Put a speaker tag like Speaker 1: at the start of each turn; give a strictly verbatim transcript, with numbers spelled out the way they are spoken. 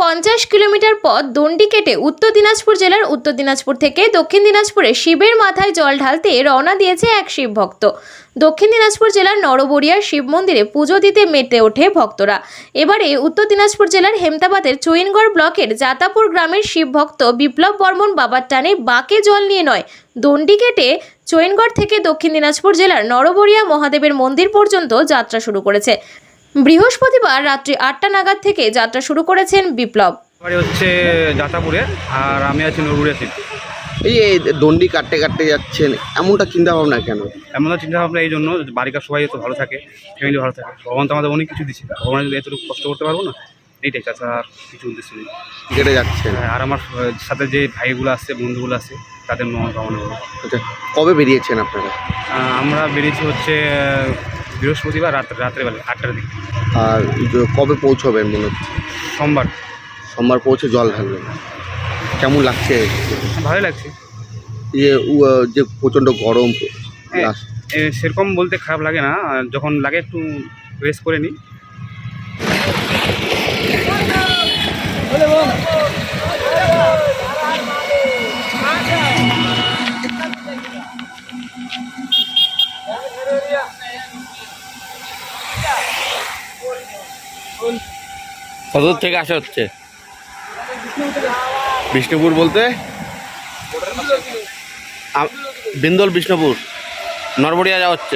Speaker 1: পঞ্চাশ কিলোমিটার পথ দণ্ডি কেটে উত্তর দিনাজপুর জেলার উত্তর দিনাজপুর থেকে দক্ষিণ দিনাজপুরে শিবের মাথায় জল ঢালতে রওনা দিয়েছে এক শিব ভক্ত। দক্ষিণ দিনাজপুর জেলার নরবরিয়ার শিব মন্দিরে পুজো দিতে মেতে ওঠে ভক্তরা। এবারে উত্তর দিনাজপুর জেলার হেমতাবাদের চৈনগড় ব্লকের জাতাপুর গ্রামের শিব ভক্ত বিপ্লব বর্মন বাবার টানে বাঁকে জল নিয়ে নয়, দণ্ডি কেটে চৈনগড় থেকে দক্ষিণ দিনাজপুর জেলার নরবরিয়া মহাদেবের মন্দির পর্যন্ত যাত্রা শুরু করেছে। বৃহস্পতিবার রাত্রি আটটা নাগাদ থেকে যাত্রা শুরু করেছেন বিপ্লব।
Speaker 2: বাড়ি হচ্ছে জাতাপুরে আর আমি আছি নরবরিয়া থেকে।
Speaker 3: এই যে দণ্ডি কাটতে কাটতে যাচ্ছেন, এমনটা চিন্তা ভাবনা কেন?
Speaker 2: এমন চিন্তা ভাবনা এই জন্য বাড়িকার সবাই তো ভালো থাকে, ফ্যামিলি ভালো থাকে। ভগবান তো আমাদের অনেক কিছু দিচ্ছে, ভগবান যদি এতটুকু কষ্ট করতে পারবো না, এইটাই তাছাড়া আর কিছু উদ্দেশ্য নেই।
Speaker 3: কেটে যাচ্ছেন
Speaker 2: আর আমার সাথে যে ভাইগুলো আছে, বন্ধুগুলো আছে, তাদের মঙ্গল কামনা করবো।
Speaker 3: আচ্ছা, কবে বেরিয়েছেন আপনারা?
Speaker 2: আমরা বেরিয়েছি হচ্ছে বৃহস্পতিবার রাত রাত্রেবেলা আটটার দিকে।
Speaker 3: আর কবে পৌঁছবেন মনে হচ্ছে?
Speaker 2: সোমবার।
Speaker 3: সোমবার পৌঁছে জল ঢালবেন। কেমন লাগছে?
Speaker 2: ভালোই লাগছে।
Speaker 3: যে যে প্রচণ্ড গরম,
Speaker 2: সেরকম বলতে খারাপ লাগে না, যখন লাগে একটু রেস্ট করে নিই।
Speaker 3: কত থেকে আসা হচ্ছে? বিষ্ণুপুর বলতে বিন্দল, বিষ্ণুপুর, নরবরিয়া যাওয়া হচ্ছে।